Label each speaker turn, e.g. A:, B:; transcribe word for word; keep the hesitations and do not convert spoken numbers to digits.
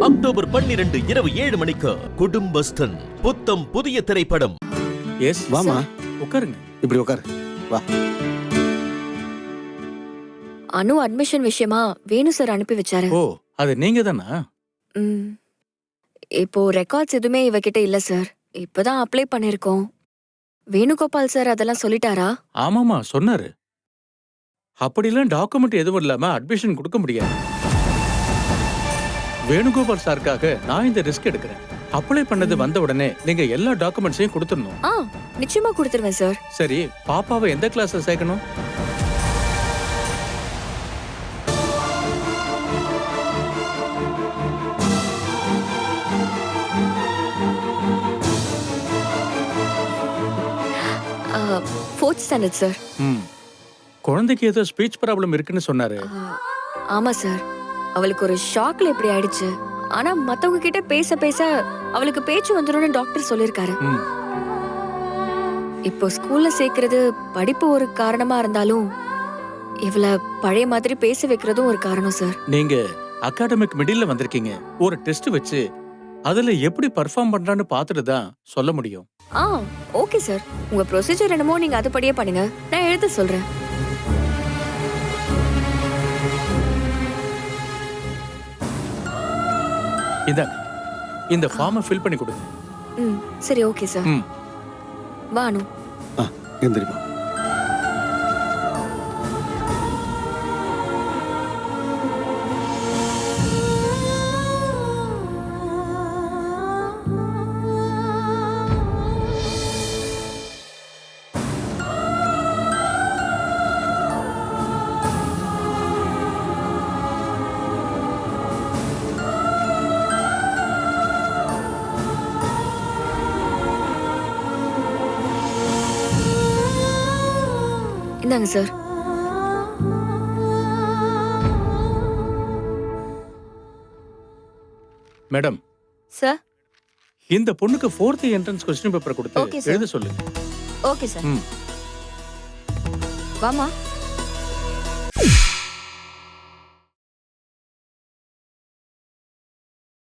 A: October பன்னிரண்டு இரவு ஏழு மணிக்கு குடும்பஸ்தன் புத்தம் புதிய திரைப்படம்.
B: எஸ்
C: வாமா,
B: உட்காருங்க.
C: இப்படி உட்காரு. வா.
D: அனு அட்மிஷன் விஷயமா வேணு சார் அனுப்பி வச்சாரு.
B: ஓ, அது நீங்க தானா?
D: ம். இப்போ ரெக்கார்ட்ஸ் எதுவுமே இவகிட்ட இல்ல சார். இப்பதான் அப்ளை பண்ணிருக்கோம். வேணுகோபால் சார் அதெல்லாம் சொல்லிட்டாரா?
B: ஆமாமா சொன்னாரு. அப்படிலாம் டாக்குமெண்ட் எதுவும் இல்லாம அட்மிஷன் கொடுக்க முடியாது. வேணுகோபால் சாருக்காக நான் இந்த ரிஸ்க் எடுக்கிறேன். அப்ளை பண்ணது வந்த உடனே நீங்க எல்லா டாக்குமெண்ட்ஸையும் கொடுத்துடணும்.
D: ஆ, நிச்சயமா கொடுத்துருவேன் சார்.
B: சரி, பாப்பாவை எந்த கிளாஸ்ல சேர்க்கணும்?
D: Fourth standard sir.
B: ம். குழந்தைக்கு ஏதோ ஸ்பீச் ப்ராப்ளம் இருக்குன்னு சொன்னாரு.
D: ஆமா சார். அவளுக்கு ஒரு ஷாக்ல இப்படி ஆயிடுச்சு. ஆனா மத்தவங்க கிட்ட பேச பேச அவளுக்கு பேச்சு வந்துரும்னு டாக்டர் சொல்லிருக்காரு.
B: ம்.
D: இப்போ ஸ்கூல்ல சேர்க்கறது படிப்பு ஒரு காரணமா இருந்தாலும் இவள பழைய மாதிரி பேச வைக்கிறதும் ஒரு காரணம் சார்.
B: நீங்க அகாடமிக் மிடில்ல வந்திருக்கீங்க. ஒரு டெஸ்ட் வச்சு அதுல எப்படி பெர்ஃபார்ம் பண்றான்னு பார்த்துட்டு தான் சொல்ல முடியும்.
D: ஆ, ஓகே சார். உங்க ப்ரொசீஜர் என்னமோ நீங்க அதுபடியே பண்ணுங்க. நான் எழுத சொல்றேன்.
B: இந்தாங்க, இந்த ஃபார்மை ஃபில் பண்ணி கொடுங்க.
D: ம், சரி, ஓகே சார்.
B: ம்.
D: வா அனு.
C: ஆ, எந்திரிமா.
D: இந்தாங்க சார்.
B: Madam,
D: sir.
B: இந்த பொண்ணுக்கு fourth entrance question paper
D: Okay,
B: கொடுத்து
D: sir.
B: எழுத சொல்லுங்க.
D: Okay sir.
B: ம்.
D: வாமா.